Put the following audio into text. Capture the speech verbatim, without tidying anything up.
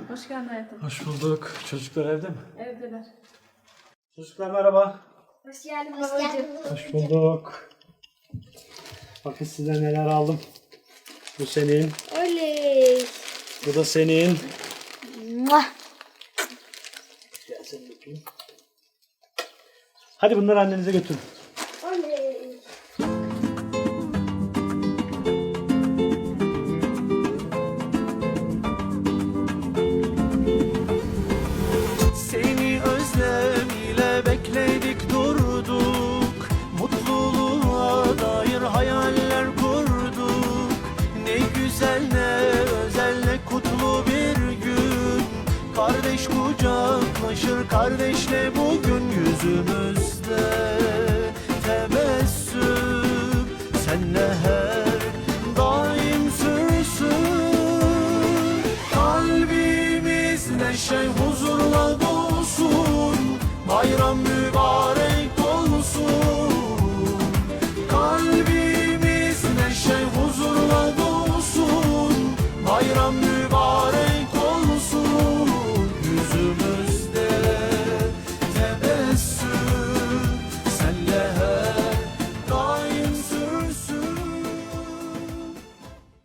Hoş geldin hayatım. Hoş bulduk. Çocuklar evde mi? Evdeler. Çocuklar merhaba. Hoş geldin babacığım. Hoş bulduk. Bakın size neler aldım. Bu senin. Oley. Bu da senin. Muah. Gel seni öpeyim. Hadi bunları annenize götürün. Oley. Seni özlem ile bekledik durduk, mutluluğa dair hayaller kurduk. Ne güzel ne özel ne kutlu bir gün, kardeş kucaklaşır kardeşle bugün. Yüzümüzde tebessüm senle her daim sürsün. Kalbimiz neşe huzurla dolsun, bayram mübarek olsun. Kalbimiz neşe huzurla dolsun, bayram mübarek